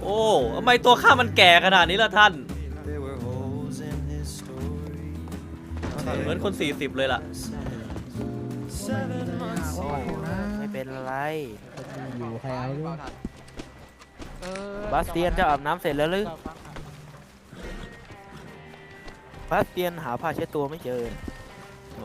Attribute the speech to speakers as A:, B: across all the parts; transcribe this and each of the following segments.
A: อ้ทำไมตัวข้ามันแก่ขนาดนี้ล่ะท่านเหมือนคน40เลยล่ะ
B: ไม่เป็นไร
C: อยู่ใครเอาด้วย
B: บาสเตียนจะอาบน้ำเสร็จแล้วหรือบาสเตียนหาผ้าเช็ดตัวไม่เจอ
A: โอ้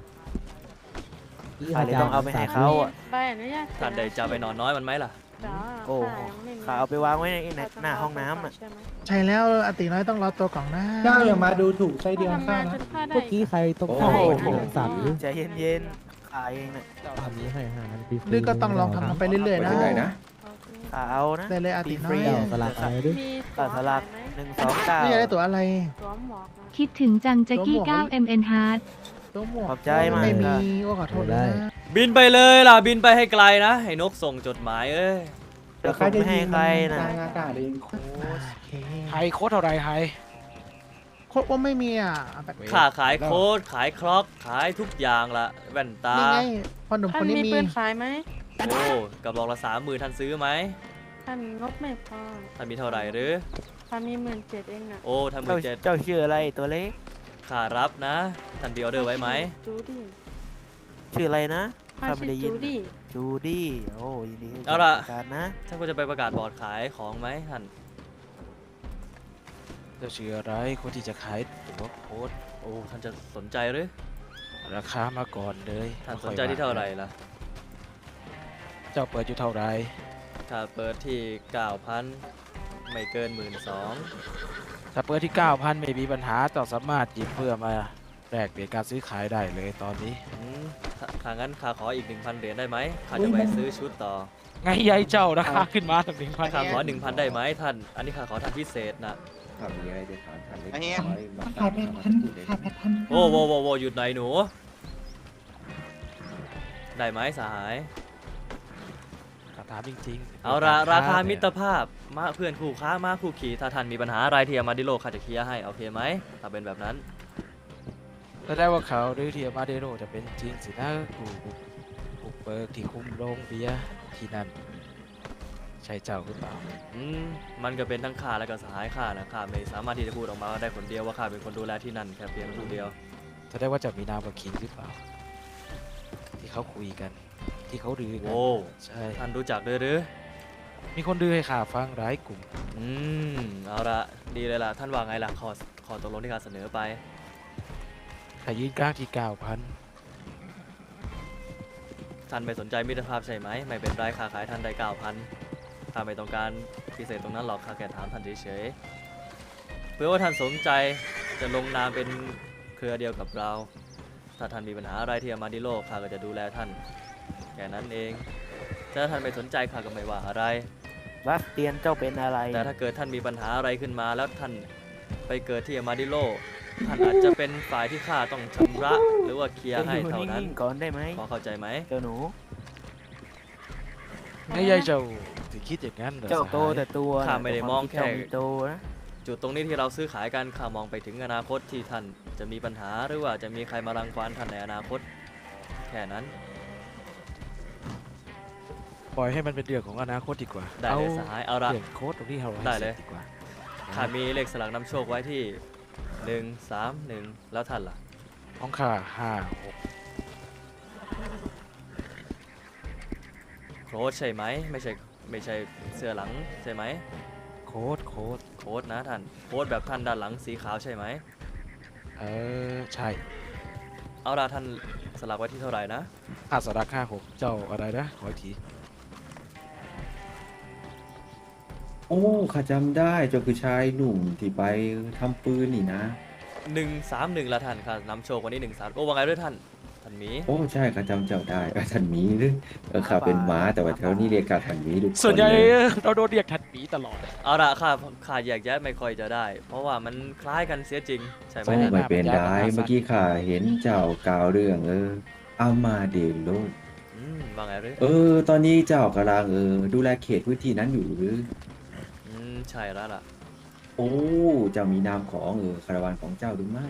B: ข้าเลยต้องเอาไปให้เขาอ่ะ
D: ใบอนุญาต
A: ท่านได้จะไปนอนน้อยมันไหมล่ะ
D: จ้า
B: โอ้ข้าเอาไปวางไว้ในหน้าห้องน้ำอ่ะ
D: ใช่ไหม
C: ใช่แล้วอติน้อยต้องรอตัวก่อนนะ
E: เจ้าอย่ามาดูถูกไส้เดือนข้านะ
C: เมื่อกี้ใครตก
B: โอ้
C: ข้าว
B: โห
C: สัตว์หรือ
B: ใจเย็นๆข้าเองน่ะ
C: ทำนี้ให้อาหารฟรีๆ
F: นี่ก็ต้องลองทำมันไปเรื่อยๆนะ
B: ข้าเอานะ
F: ได้เลยอติน้อย
C: เจ้าสลักอะไรด้วย
D: มี
B: ข้าสลัก 1 2
F: นี่จะได้
B: 9
F: ตัวอะไร
D: สวมหมวกนะ
G: คิดถึงจังแจ็กกี้ 9 MN Hard
F: ตัวหมวก
B: ขอบใจมาก
F: ไม่มีโอ้ขอโทษนะ
A: บินไปเลยล่ะบินไปให้ไกลนะให้นกส่งจดหมายเอ้ย
B: เดี๋ยวข้าจะให้ใครนะ
E: กลางอากาศเอง
F: โอเค
H: ไฮโค้ดเท่าไรไฮ
F: โคตรว่าไม่มีอ่ะแบบ
A: ข้าขายโค้ดขายคล็อกขายทุกอย่างละแว่นตา
F: นี่ไงพอหนุ่ม
D: ท่า
F: คน นนี้
D: มี
F: มี
D: ปืนขายไหม
A: โอ้กับบอกละ30,000ท่านซื้อไหม
D: ท่านงบไม่พอ
A: ท่านมีเท่าไหร่หรือ
D: ท่านมี17,000เองน่ะ
A: โอ้ท่าน17,000
B: เจ้าชื่ออะไรตัวเล็ก
A: ข้ารับนะท่านมีออเดอร์ไว้ไหม
D: จูดี้
B: ชื่ออะไรนะ
D: ข้า
B: ข้าไม่
D: ชื่อ
B: ได้ยิน
D: จูดี้
B: จูดี้โอ้ยินดี
A: เอาล่ะ
B: การนะ
A: ท่านก็จะไปประกาศบอร์ดขายของไหมท่าน
H: เจ้าชื่ออะไรคนที่จะขายตัวโค้ด
A: โอ้ท่านจะสนใจหรือ
H: ราคามาก่อนเลย
A: ท่านสนใจที่เท่าไหร่ล่ะ
H: เจ้าเปิดอยู่เท่าไร
A: ถ้าเปิดที่ 9,000 ไม่เกิน 12,000
H: ถ้าเปิดที่ 9,000 ไม่มีปัญหาเจ้าสามารถหยิบเพื่อมาแลกเปลี่ยนการซื้อขายได้เลยตอนนี้
A: ถ้างั้นข้าขออีก 1,000 เหรียญได้ไหมข้าจะไปซื้อชุดต่อ
H: ไงยายเจ้าราคาขึ้นมาถึง 1,000
A: ข้าขอ 1,000 ได้ไหมท่าน อันนี้ข้าขอท่านพิเศษนะ
I: ถ้ามีอะไรจะถามท่านเล็ก
E: อันนี้
I: น้อยมา
E: ขาย8,000ขาย8,000
A: โอ้โวโวโวหยุดหน่อยหนู ได้ไหมสหาย
H: ถามจริงๆ
A: เอาละราคามิตร
H: เนี่ย
A: ภาพมาเพื่อนคู่ค้ามาคู่ขี่ถ้าท่านมีปัญหาอะไรที่อามาดิโลข้าจะเคลียร์ให้โอเคไหมถ้าเป็นแบบนั้น
H: แสดงว่าเขาหรือที่มาเดโรจะเป็นจริงสินะผู้เปิดที่คุมโรงเบียร์ที่นั่นใช่เจ้าหรือเปล่า
A: มันก็เป็นทั้งข้าและก็สหายข้านะข้าไม่สามารถที่จะพูดออกมาได้คนเดียวว่าข้าเป็นคนดูแลที่นั่นแค่เพียงผู้เดียว
H: แสดงว่าจะมีนามว่าคิงหรือเปล่า ที่เขาคุยกัน ที่เขาดื้อกัน
A: โอ้
H: ใช่
A: ท่านรู้จักด้วยหรือ
H: มีคนดื้อให้ข่าฟังหลายกลุ่ม
A: เอาละดีเลยล่ะท่านว่าไงล่ะขอตกลงที่ข้าเสนอไป
H: ถ้ายืนกลางที่ 9,000
A: ท่านไม่สนใจมิตรภาพใช่ไหมไม่เป็นไรข้าขายท่านได้ 9,000ข้าไม่ต้องการพิเศษตรงนั้นหรอกข้าแค่ถามท่านเฉยๆเพื่อว่าท่านสนใจจะลงนามเป็นเครือเดียวกับเรา ถ้าท่านมีปัญหาอะไรที่อามาดิโลข้าก็จะดูแลท่านแค่นั้นเองถ้าท่านไม่สนใจข้าก็ไม่ว่าอะไร
B: บาสเตียนเจ้าเป็นอะไร
A: แต่ถ้าเกิดท่านมีปัญหาอะไรขึ้นมาแล้วท่านไปเกิดที่อามาดิโลท่านอาจจะเป็นฝ่ายที่ข้าต้องชำระหรือว่าเคลียร์ให้เท่านั้น
B: ก่อนได้ไหม
A: พอเข้าใจไหม
B: เจ้าหนู
H: ไม่ใช่เจ้าถึงคิดอย่างนั้นเหรอ
B: เจ้า
H: สหย
B: โตแต่ตัว
A: ข้าไม่ได้มองแค่
B: เจ้ามีโตนะ
A: จุดตรงนี้ที่เราซื้อขายกันข้ามองไปถึงอนาคตที่ท่านจะมีปัญหาหรือว่าจะมีใครมารังควานท่านในอนาคตแค่นั้น
H: ปล่อยให้มันเป็นเรื่องของอนาคตดีกว่า
A: ได้เลยสหายเอาละ
H: เรื่องโค้ดตรงนี้เราให้
A: ได้เลย
H: สร็จดีกว่า
A: ข้ามีเลขสลักนำโชคไว้ที่ 131 แล้วท่านล่ะ
H: ของข้า
A: โค้ดใช่ไหมไม่ใช่เสื้อหลังใช่ไหม
H: 5 6โค้ด
A: โค้ดนะท่านโค้ดแบบท่านด้านหลังสีขาวใช่ไหม
H: ใช่
A: เอาละท่านสลักไว้ที่เท่าไหร่นะ
H: ค่าสลัก56เจ้าอะไรนะขออีกที
I: โอ้ข้าจำได้เจ้าคือชายหนุ่มที่ไปทำปืนนี่นะ
A: 131ละท่านค่ะนำโชควันนี้13โอ้ว่าไงด้วยท่านหมี
I: โอ้ใช่ข้าจำเจ้าได้ท่านหมีหรือข้าเป็นหมาแต่ว่าแถวนี้เรียกข้าท่านหมีทุกคน
H: ส่วนใหญ่
I: เลย
H: เราโดนเรียกทัดหมีตลอด
A: เอาละข้าแยกแยะไม่ค่อยจะได้ เพราะว่ามันคล้ายกันเสียจริงใช่ไหม
I: โอ้
A: ท่าน
I: ไม่เป็นไรเมื่อกี้ข้าเห็นเจ้ากล่าวเรื่องอามาเดโล
A: ว่าไงหรือ
I: ตอนนี้เจ้ากำลังดูแลเขตพื้นที่นั้นอยู่หรือ
A: ใช่แล้วล่ะ
I: โอ้เจ้ามีนามของคาราวานของเจ้าหรือไม่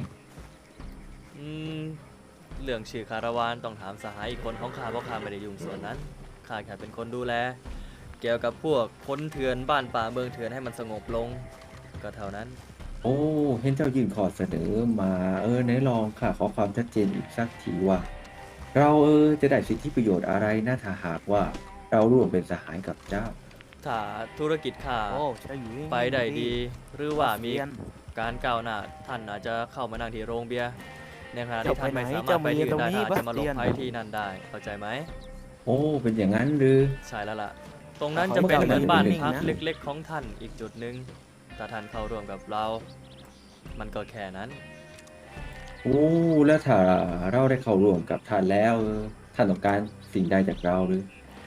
A: เรื่องชื่อคาราวานต้องถามสหายอีกคนของข้าเพราะข้าไม่ได้ยุ่งส่วนนั้นข้าแค่เป็นคนดูแลเกี่ยวกับพวกคนเถื่อนบ้านป่าเมืองเถื่อนให้มันสงบลงก็เท่านั้น
I: โอ้เห็นเจ้ายื่นขอเสนอมาไหนลองค่ะขอความชัดเจนอีกสักทีว่า เราจะได้สิทธิประโยชน์อะไรนะถ้าหากว่าเราร่วมเป็นสหายกับเจ้า
A: ถ้าธุรกิจข้า
B: โอ้ใช่อยู่
A: ไปได้ดี หรือว่ามี
B: บสเตียน
A: การก้าวหน้าท่านอาจจะเข้ามานั่งที่โรงเบียร์ในขณะ
B: เจ้า
A: ที่ท่านไม่
B: ไปไหน
A: สามารถไปที่อื่นได้
B: เจ้ามี
A: ท่านอาจจะมาหลบ
B: ตรงนี้
A: ภัยที่นั่นได้เข้าใจไหม
I: โอ้เป็นอย่างนั้นหรือ
A: ใช่แล้วล่ะ ตรงนั้น
B: เขา
A: จะเป็น
B: ไม่
A: เหมือนบ้าน
B: นิ่งๆ
A: พัก
B: นะ
A: เล็กๆของท่านอีกจุดหนึ่งถ้าท่านเข้าร่วมกับเรา มันก็แค่นั้น
I: โอ้แล้วถ้าเราได้เข้าร่วมกับท่านแล้วท่านต้องการสิ่งใดจากเราหรือ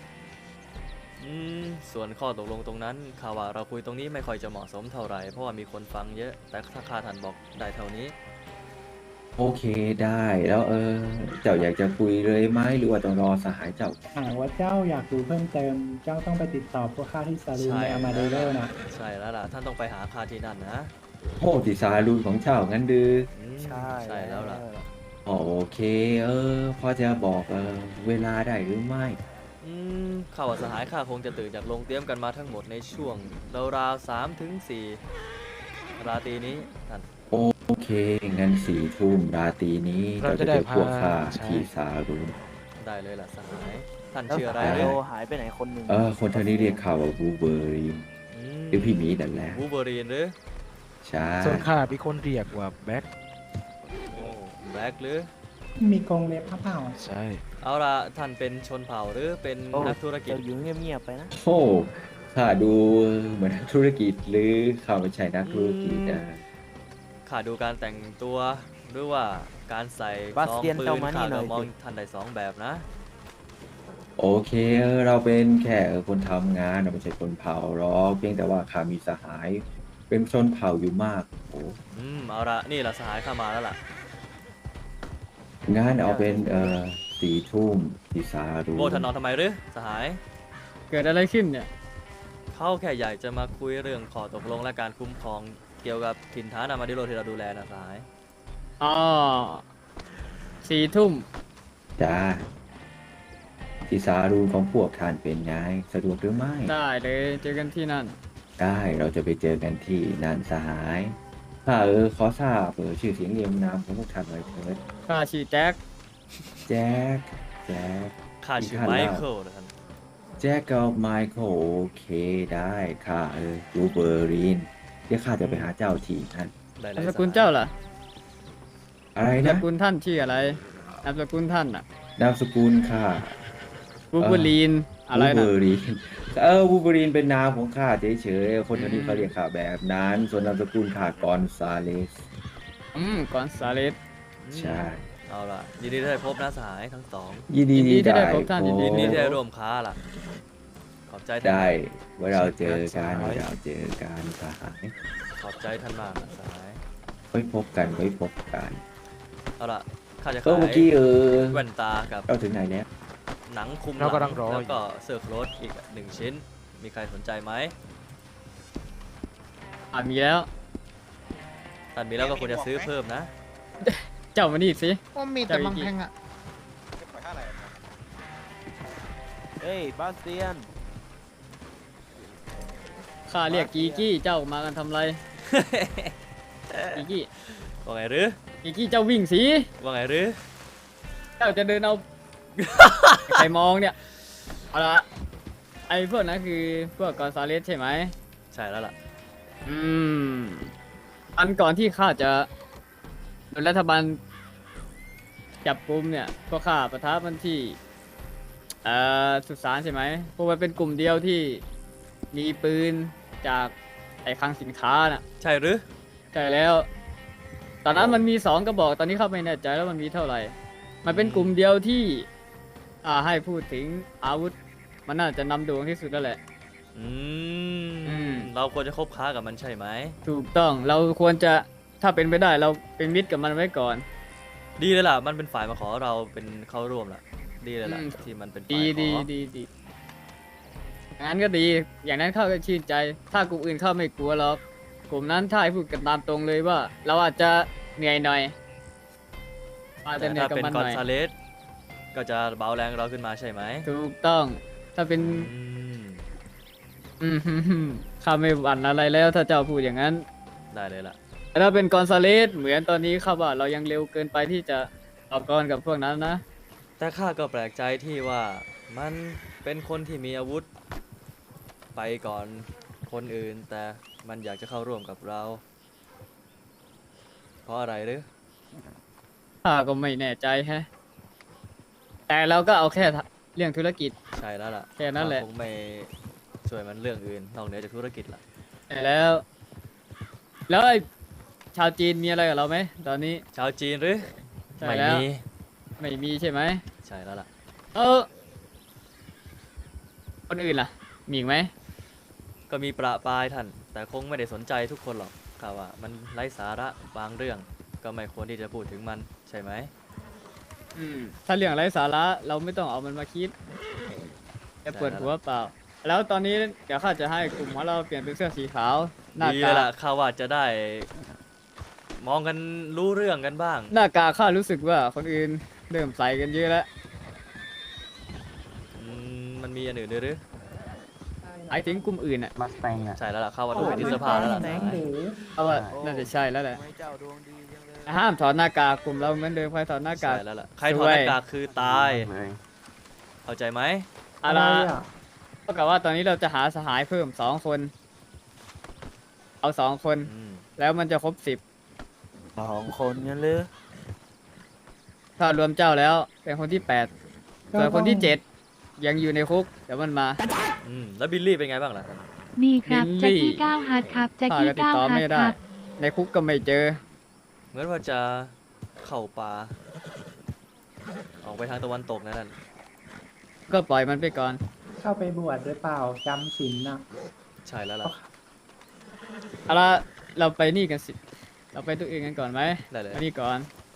A: ส่วนข้อตกลงตรงนั้นข่าวว่าเราคุยตรงนี้ไม่ค่อยจะเหมาะสมเท่าไหร่เพราะว่ามีคนฟังเยอะ แต่ถ้าข้าท่านบอกได้เท่านี้
I: โอเคได้แล้วเจ้าอยากจะคุยเลยไหมหรือว่าต้องรอสหายเจ้า
E: หากว่าเจ้าอยากดูเพิ่มเติม เจ้าต้องไปติดต่อพวกข้าที่ซาลูนในอามาเดโรนะ
A: ใช่แล้วล่ะท่านต้องไปหาข้าที่นั่นนะ
I: โอ้ติสารูนของเจ้างั้นดือ
B: ใช่
A: ใช่แล้วล่ะ
I: โอเคพอจะบอกเวลาได้หรือไม่
A: ข่าวว่าสหายข้าคงจะตื่นจากโรงเตรียมกันมาทั้งหมดในช่วงราวๆ3 ถึง 4ราตรีนี้ท่าน
I: โอเคงั้น4 ทุ่มราตรีนี้เราจะเจอพวกข้าที่สารูน
A: ได้เลยล่ะสหายท่าน
B: แล้ว
A: ชื่ออะไร
B: สาย
A: เล
B: โล
A: ย
B: หายไปไหนคนหนึ่ง
I: คนทางนี้เรียกข่าวว่าบูเบอรีนหรือพี่หมีนั่นแหละ
A: วูเบอรีนหรือ
I: ใช่
H: ส่วนข้ามีคนเรียกว่าแบ็ค
A: โอ้แบล็กหรือ
E: มีกรงเล็บพระเผ่า
H: ใช่
A: เอาล่ะท่านเป็นชนเผ่าหรือเป็น
B: โอ้
A: นักธุรกิจ
B: เจ้าอยู่เงียบๆไปนะ
I: โอ้ข้าดูเหมือนนักธุรกิจหรือข้าไม่ใช่นักธุรกิจ
A: ข้าดูการแต่งตัวหรือว่าการใส่
B: บาส
A: ซอง
B: เตียน
A: ปื
B: เจ้าน มานี่
A: ข้า
B: หน่
A: ก็
B: อย
A: มอง
B: สิ
A: ท่านได้2 แบบนะ
I: โอเคเราเป็นแค่คนทำงานเราไม่ใช่คนเผ่าหรอกเพียงแต่ว่าข้ามีสหาย เป็นชนเผ่าอยู่มากโอ้
A: เอาละนี่ละสหายข้ามาแล้วล่ะ
I: งานเอาเป็น4 ทุ่มที่สารู
A: โบท่านนอนทำไมหรือสหาย
F: เกิดอะไรขึ้นเนี่ย
A: เขาแค่อยากจะมาคุยเรื่องข้อตกลงและการคุ้มครองเกี่ยวกับถิ่นฐานอามาดิโรที่เราดูแลนะสหาย
F: อ๋อ4 ทุ่ม
I: จ้าที่สารูของพวกท่านเป็นไงสะดวกหรือไม่
F: ได้เลยเจอกันที่นั่น
I: ได้เราจะไปเจอกันที่นั่นสหายถ้าขอทราบชื่อเสียงเรียงนามของพวกท่านหน่อยเถิด
F: ข้าชื่อแจ็ค
I: แจ็คแจ็ค
A: ข้าชื่อ
I: ท่าน
A: ไม
I: เล่า
A: เคิลนะท่าน
I: แจ็คกับไมเคิลโอเคได้ค่ะรูเบอร์รีนเดี๋ยวข้าจะไปหาเจ้าที่นั่น
A: ได้เล
F: นาม
A: ย
F: สกุลเจ้าล่ะ
I: อะไร
F: นาม
I: นะ
F: สกุลท่านชื่ออะไรนามสกุลท่านอ่ะ
I: นามสกุลค่ะ
F: บูบูลีนอะไร
I: วูเบ
F: นะ
I: อรีนวูเบอรีนเป็นนามของข้าเฉยๆคนแถวนี้เขาเรียกข้าแบบนั้น ส่วนนามสกุลข้ากอนซาเลส
F: กอนซาเลส
I: ใช่
A: เอาล่ะยินดีที่ได้พบนะสหายทั้งสอง
I: ยินดี
F: ยินดีที่
I: ที่
F: ได้
I: ได้
F: พบท่านยิน
A: ยินดีที่ได้
I: พบ
A: ร่วมค้าล่ะ ขอบใจท่าน
I: ได้ไว้เราเจอกันไว้เราเจอกันสหาย
A: ขอบใจท่านมากนะสหาย
I: ไว้พบกันไว้พบกัน
A: เอาล่ะข้าจะ
I: ก็
A: ขาย
I: เมื่อกี้
A: แว่นตากับ
I: เราถึงไหนแล้ว
A: หนังคลุมห
H: เรา
A: ลั
H: กำลังรอ
A: แล้วก็เสื้อโค้ทอีก1 ชิ้น มีใครสนใจไหม
F: มีแล้ว
A: ท่านมีแล้วก็ควรจะซื้อเพิ่มนะ
F: เจ้ามานี่สิ
C: ว่ามีแต่บางแพงอ่ะ
B: เฮ้ยบาสเตียน
F: ข้าเรียกกีกี้เจ้ามากันทำไร กีกี้
A: ว่าไงหรือ
F: กีกี้เจ้าวิ่งสิ
A: ว่าไงหรือ
F: เจ้าจะเดินเอา ใครมองเนี่ยเอาละไอ้พวกนั้นคือพวกกอนซาเลสใช่ไหม
A: ใช่แล้วล่ะ
F: อันก่อนที่ข้าจะโดนรัฐบาลจับกุมเนี่ยพวกข้าประทับมันที่สุสานใช่ไหมพวกมันเป็นกลุ่มเดียวที่มีปืนจากไอ้คลังสินค้าน่ะ
A: ใช่หรือ
F: ใช่แล้ว ตอนนั้นมันมี2 กระบอก ตอนนี้เข้าไม่แน่ใจแล้วมันมีเท่าไหร่ มันเป็นกลุ่มเดียวที่ให้พูดถึงอาวุธ มันน่าจะนำโด่งที่สุดแล้วแหละ
A: อืม
F: ม
A: เราควรจะคบค้ากับมันใช่ไหม
F: ถูกต้อง เราควรจะถ้าเป็นไปได้เราเป็นมิตรกับมันไว้ก่อน
A: ดีเลยล่ะ มันเป็นฝ่ายมาขอเราเป็นเข้าร่วมล่ะ ดีเลยล่ะ ที่มันเป็นฝ่าย
F: ดี
A: ข
F: ดี
A: อ
F: ดีดีอย่างนั้นก็ดี อย่างนั้นเข้าก็ชื่นใจ ถ้ากลุ่มอื่นเข้าไม่กลัวหรอก กลุ่มนั้นถ้าให้พูดกันตามตรงเลยว่า เราอาจจะเหนื่อยหน่อยอาจจะ
A: แต่
F: เหนื่อย
A: ถ้า
F: กับ
A: เป็น
F: มัน
A: ก
F: ห
A: อน
F: น่อย
A: ซาเลสก็จะเบาแรงเราขึ้นมาใช่ไหม
F: ถูกต้อง ถ้าเป็น
A: อืม
F: ข้าไม่หวั่นอะไรแล้วถ้าเจ้าพูดอย่างนั้น
A: ได้เลยล่ะ
F: แต่ถ้าเป็นกอนซาเลสเหมือนตอนนี้ข้าว่าเรายังเร็วเกินไปที่จะต่อกรกับพวกนั้นนะ
A: แต่ข้าก็แปลกใจที่ว่ามันเป็นคนที่มีอาวุธ ไปก่อนคนอื่น แต่มันอยากจะเข้าร่วมกับเรา เพราะอะไรหรือ
F: ข้าก็ไม่แน่ใจแฮะ แต่เราก็เอาแค่เรื่องธุรกิจ
A: ใช่แล้วล่ะ
F: แค่นั้นแหละ
A: ข้าคงไม่ช่วยมันเรื่องอื่นนอกเหนือจากธุรกิจล่ะ
F: แต่แล้ว แล้วไอ้ชาวจีนมีอะไรกับเราไหมตอนนี้
A: ชาวจีนหรือ
F: ใช่
A: ไม่
F: แล้ว
A: มี
F: ไม่มีใช่ไหม
A: ใช่แล้วล่ะ
F: คนอื่นล่ะ มีอีกไหม
A: ก็มีประปรายท่าน แต่คงไม่ได้สนใจทุกคนหรอกข้าว่ามันไร้สาระบางเรื่อง ก็ไม่ควรที่จะพูดถึงมันใช่ไหม
F: ถ้าเรื่องไร้สาระเราไม่ต้องเอามันมาคิดแค่ปวดหัวเปล่า แล้วตอนนี้เดี๋ยวข้าจะให้กลุ่มของเราเปลี่ยนเป็นเสื้อสีขาวหน้า
A: ดี
F: กา
A: เลยล่ะข้าว่าจะได้มองกันรู้เรื่องกันบ้าง
F: หน้ากากข้ารู้สึกว่าคนอื่นเริ่มใส่กันเยอะแล้ว
A: มันมีอันอื่นด้วยหรือ
F: ไอ้ถึงกลุ่มอื่นอ่ะ
E: มาสแตงอ่ะ
A: ใช่แล้วล่ะข้าว่าต้องเป็นที่เสื้อผ้าแล้วล่ะ
E: แตงหรือ
F: เอาว่าน่าจะใช่แล้วแหละ
H: ทำไมเจ้าดวงดีจังเลย
F: ห้ามถอดหน้ากากกลุ่มเราเหมือนเดิมใครถอดหน้ากาก
A: ใช่แล้วล่ะใครถอดหน้ากากคือตายเข้าใจไหม
F: อะไรเท่ากับว่าตอนนี้เราจะหาสหายเพิ่ม2 คน เอา2 คน แล้วมันจะครบ10
B: 2 คนงั้นหรือ
F: ถ้ารวมเจ้าแล้วเป็นคนที่8ส่วนคนที่7ยังอยู่ในคุกเดี๋ยวมันมา
A: แล้วบิลลี่เป็นไงบ้างล่ะ
G: ดีครับ
F: ลิลลี่
G: แจ็คกี้9ฮาร์ดครับแจ็ค
F: ข้า
G: กี้
F: ก็ติด
G: 9
F: ต่อ
G: ฮา
F: ไม่
G: ร์ด
F: ได้
G: ครับ
F: ในคุกก็ไม่เจอ
A: เหมือนว่าจะเข้าป่าออกไปทางตะวันตกนั่น
F: ก็ปล่อยมันไปก่อน
E: เข้าไปบวชหรือเปล่าจำศีลน่ะ
A: ใช่แล้วล่ะ
F: เอาละเราไปนี่กันสิ เราไปตัวอื่นกันก่อนไหม
A: ได้เลย
F: มานี่ก่อน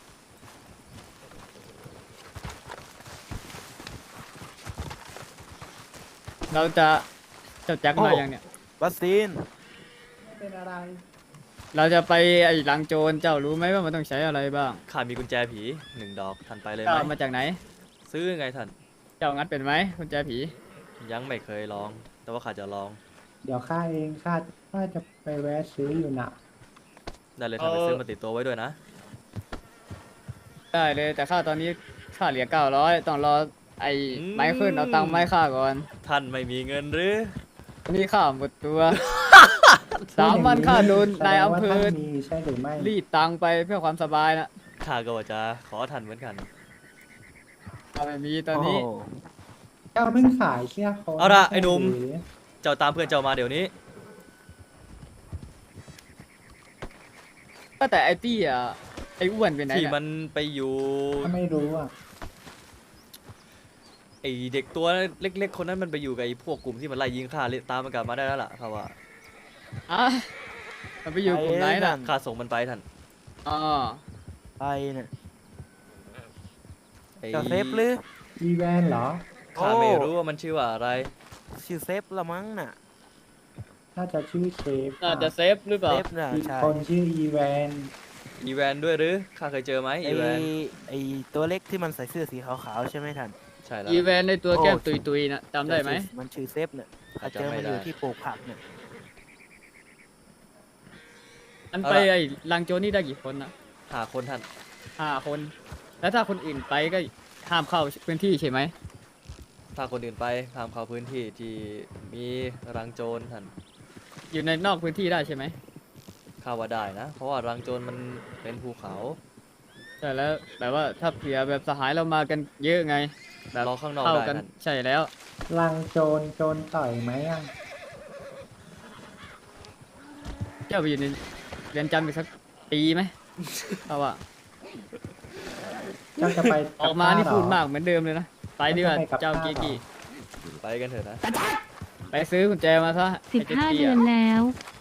F: เราจะเจ้าแจ็คมายังเนี่ย
B: บัสตีน
E: เป็นอะไร
F: เราจะไปไอ้หลังโจรเจ้ารู้ไหมว่ามันต้องใช้อะไรบ้าง
A: ข้ามีกุญแจผี1 ดอกท่านไปเลยไห
F: เจ้าม มาจากไหน
A: ซื้อไงท่าน
F: เจ้างัดเป็นไหมคุณแจผี
A: ยังไม่เคยลอง แต่ว่าข้าจะลอง
E: เดี๋ยวข้าเองข้าจะไปแวะซื้ออยู่น่ะ
A: ได้เลยท่านไปซื้อมาติดตัวไว้ด้วยนะ
F: ได้เลยแต่ค่าตอนนี้ค่าเหลือ900ต้องรอไอ้ไม้ขึ้นเอาตังค์ไม้ค่าก่อน
A: ท่านไม่มีเงินหรือ
F: นี่ค่าหมดตัว 3 วันค่าโดนนายอำเภอ
E: แสดงว่าท่านมีใช่หรือไม่
F: รีดตังค์ไปเพื่อความสบายนะ
A: ข้าก็ว่าจะขอท่านเหมือนกัน
F: ถ้าไม่มีตอนนี้
E: เจ้าเพิ่งขายเสื้อโค้ท
A: เอาล่ะไอ้หนุ่ม
E: ใช่รือ
A: เจ้าตามเพื่อนเจ้ามาเดี๋ยวนี้
F: ก็แต่ไอ้ตี้อ่ะไอ้อ้วนเป็นไหน
A: ที่
F: เนี่ย
A: มันไปอยู่
E: ถ้าไม่รู้อ่ะ
A: ไอเด็กตัวเล็กๆ คนนั้นมันไปอยู่กับไอพวกกลุ่มที่มันไล่ยิงข้าตามมันกลับมาได้แล้วล่ะครับว่า
F: อ่ะมันไปอยู่กลุ่มไหนน่ะ
A: ข้าส่งมันไปท่าน
F: อ๋อ
B: ไปเนี่ย
A: ไอ
B: เจ้าเซฟหรือ
E: อีแวนเหรอ
A: ข้าไม่รู้ว่ามันชื่อว่าอะไร
B: ชื่อเซฟละมั้งน่ะ
E: น่าจะชื่อเชฟ
F: น่าจะเซฟหรือเปล่า
B: เซฟน่ะ
E: อีก
B: ใช่
E: คนชื่ออีแวน
A: อีแวนด้วยหรือข้าเคยเจอไหม
B: ไอ
A: อีแวน
B: ไอตัวเล็กที่มันใส่เสื้อสีขาวๆใช่ไหมท่าน
A: ใช่แล้ว
F: อีเวนในตัวแก้ม
B: โอ้
F: ตุยๆนะจำได้ไหม
B: มันชื่อเซฟเนี่ยข้าเจอ
A: จำไม่
B: มัน
A: ได้
B: อยู่ที่ปลูกผักเนี่ย
F: มันไปไอ้ลังโจรนี่ได้กี่คนนะ
A: 5 คนท่าน
F: 5 คน แล้วถ้าคนอื่นไปก็ห้ามเข้าพื้นที่ใช่ไหม
A: ถ้าคนอื่นไปห้ามเข้าพื้นที่ที่มีรังโจรท่าน
F: อยู่ในนอกพื้นที่ได้ใช่ไหม
A: ข้าว่าได้นะ เพราะว่ารังโจรมันเป็นภูเขา
F: แต่แล้วแบบว่าถ้าเผื่อแบบสหายเรามากันเยอะไงแบบ
A: รอข้างนอก
F: เข้า
A: ได้
F: กัน
A: ท่าน
F: ใช่แล้ว
E: ลังโจรต่อยไหมอ่ะ
F: เจ้าไปอยู่ในเรียนจำอีกสักปีไหม เอาว่า
E: เจ้าจะไป
F: ออกมานี่พูดมากเหมือนเดิมเลยนะ ไปดีกว่าเจ้ากีกี้
A: ไปกันเถอะนะ
F: ไปซื้อกุญแจมาซะไอ้เจ๊
G: 15
F: กี้
G: เดือ
F: อะ
G: นแล้ว